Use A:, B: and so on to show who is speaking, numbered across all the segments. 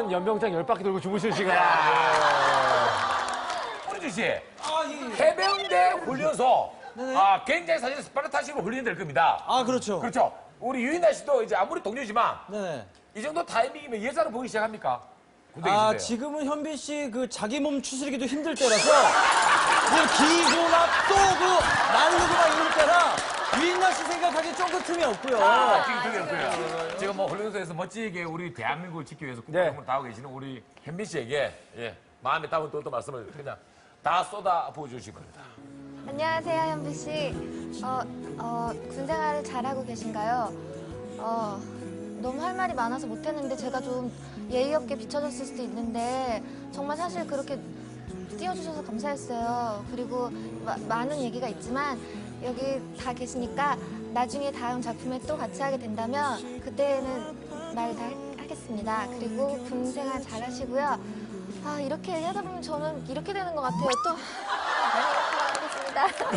A: 한 연병장 10바퀴 돌고 주무실 시간.
B: 우리 씨, 해병대 훈련소. 굉장히 사실 스파르타식으로 훈련될 겁니다.
C: 그렇죠.
B: 그렇죠. 우리 유인나 씨도 이제 아무리 동료지만
C: 네.
B: 이 정도 타이밍이면 여자를 보기 시작합니까? 군대에 있을 때요.
C: 지금은 현빈 씨 그 자기 몸 추스리기도 힘들 때라서 그냥 기고 막 또 그 날르고 막 이럴 때라 유인나 씨 생각하기에 조금 틈이 없고요.
B: 지금 들렸고요. 지금 뭐 훈련소에서 멋지게 우리 대한민국을 지키기 위해서 국가공을 다하고 계시는 우리 현빈 씨에게 마음에 담은 또 말씀을 그냥 다 쏟아 부어주시기 바랍니다.
D: 안녕하세요, 현비 씨. 군 생활을 잘하고 계신가요? 너무 할 말이 많아서 못했는데 제가 좀 예의 없게 비춰졌을 수도 있는데 정말 사실 그렇게 띄워주셔서 감사했어요. 그리고 많은 얘기가 있지만 여기 다 계시니까 나중에 다음 작품에 또 같이 하게 된다면 그때는 말 다 하겠습니다. 그리고 군 생활 잘하시고요. 이렇게 얘기하다 보면 저는 이렇게 되는 것 같아요. 또 하겠습니다.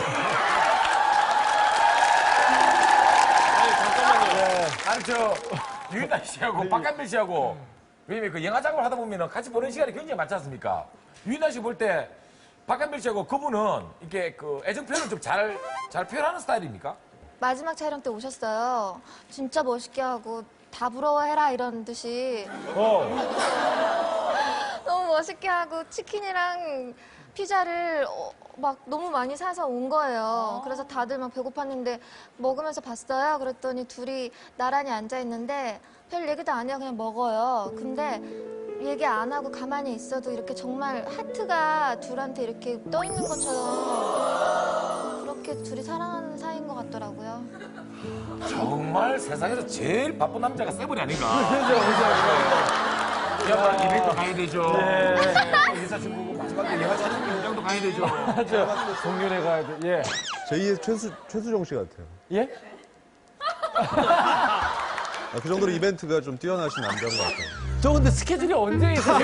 B: 아니 유인나 씨하고 박한별 씨하고 왜냐면 그 영화 작업을 하다 보면 같이 보는 시간이 굉장히 많지 않습니까? 유인나 씨 볼 때 박한별 씨하고 그분은 이렇게 그 애정 표현을 좀 잘 표현하는 스타일입니까?
D: 마지막 촬영 때 오셨어요. 진짜 멋있게 하고 다 부러워해라 이런 듯이 너무 멋있게 하고 치킨이랑 피자를 막 너무 많이 사서 온 거예요. 그래서 다들 막 배고팠는데 먹으면서 봤어요. 그랬더니 둘이 나란히 앉아있는데 별 얘기도 안 해요. 그냥 먹어요. 근데 얘기 안 하고 가만히 있어도 이렇게 정말 하트가 둘한테 이렇게 떠 있는 것처럼 그렇게 둘이 사랑하는 사이인 것 같더라고요.
B: 정말 세상에서 제일 바쁜 남자가 세븐이 아닌가? 영화 이벤트 가야 되죠. 여자친구고 마지막에 영화 촬영 현장도 가야 되죠.
A: 맞아. 동료네 가야 돼. 예.
E: 제2의 최수종 씨 같아요.
A: 예?
E: 그 정도로 이벤트가 좀 뛰어나신 남자인 것 같아요.
A: 저 근데 스케줄이 언제 있으세요?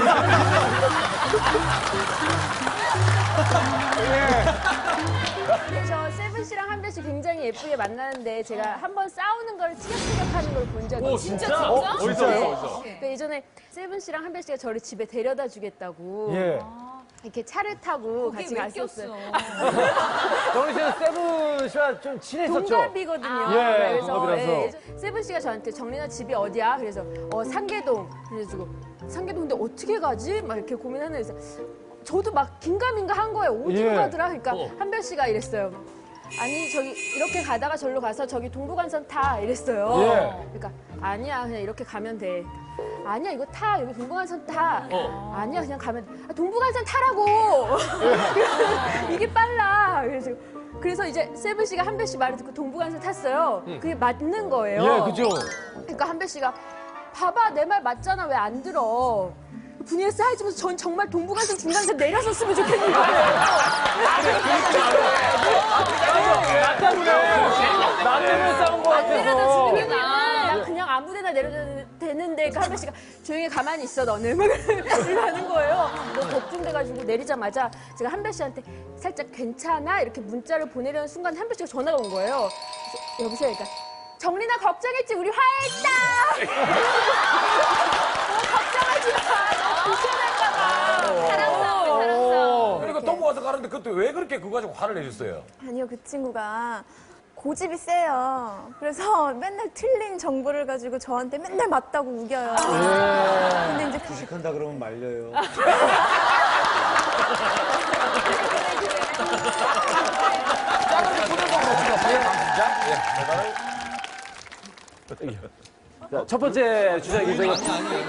F: 저 세븐 씨랑 한별 씨 굉장히 예쁘게 만나는데 제가 한번 싸우는 걸 티격태격하는 걸 본 적이 있어요.
A: 진짜? 어디서?
F: 그 예전에 세븐 씨랑 한별 씨가 저를 집에 데려다 주겠다고
A: 예.
F: 이렇게 차를 타고 같이 갔었어요.
A: 정희 씨는 세븐 씨와 좀 친했었죠?
F: 동갑이거든요.
A: 예,
F: 그래서
A: 동갑이라서.
F: 세븐 씨가 저한테 정린아 집이 어디야? 그래서 상계동. 그래가지고 상계동 근데 어떻게 가지? 막 이렇게 고민하는 데서 저도 막 긴가민가 한 거예요. 어디로
A: 예.
F: 가더라? 그러니까 한별 씨가 이랬어요. 아니 저기 이렇게 가다가 절로 가서 저기 동부간선 타 이랬어요.
A: 예.
F: 그러니까 아니야 그냥 이렇게 가면 돼. 아니야 이거 타 여기 동부간선 타. 아니야 그냥 가면 돼. 동부간선 타라고. 이게 빨라. 그래서 이제 세븐 씨가 한별 씨 말을 듣고 동부간선 탔어요. 그게 맞는 거예요.
A: 예, 그죠?
F: 그러니까 한별 씨가 봐봐 내 말 맞잖아 왜 안 들어. 분위기가 싸해지면서 전 정말 동부간선 중간에서 내려섰으면 좋겠는 거예요.
A: 나 때문에 싸운 거 같아서.
F: 나 그냥 아무 데나 내려도 되는데 그 한별 씨가 조용히 가만히 있어 너는 막 이러는 거예요. 너무 걱정돼가지고 내리자마자 제가 한별 씨한테 살짝 괜찮아? 이렇게 문자를 보내려는 순간 한별 씨가 전화가 온 거예요. 그래서 여보세요? 그러니까 정린아 걱정했지? 우리 화해했다! 걱정하지 마! 불편할까 봐! 사랑스러워.
B: 그러니까 동부 가서 가는데 그때 왜 그렇게 그거 가지고 화를 내셨어요?
G: 아니요, 그 친구가 고집이 세요. 그래서 맨날 틀린 정보를 가지고 저한테 맨날 맞다고 우겨요. 근데 이제
C: 주식한다 그러면 말려요.
A: 자, 첫 번째 주자기 저기.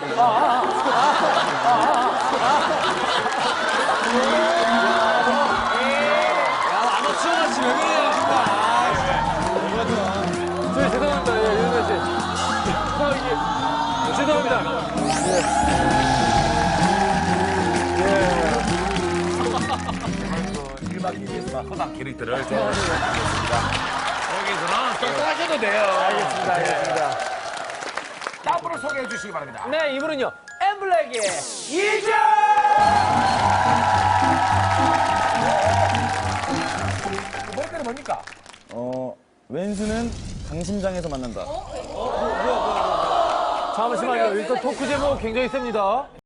C: 아마추어같이 왜 그래요,
A: 저희 죄송합니다. 예, 유현아 씨. 죄송합니다.
B: 그 1박 2일에서만 허당 캐릭터를 좀 하겠습니다. 여기서는 똥똥하셔도 돼요.
A: 알겠습니다.
B: 다음 분을 소개해 주시기 바랍니다.
A: 네, 이분은요. 엠블랙의 이준!
B: 머리카락이 뭡니까?
C: 왼수는 강심장에서 만난다.
A: 잠시만요. 일단 토크 제목 굉장히 셉니다.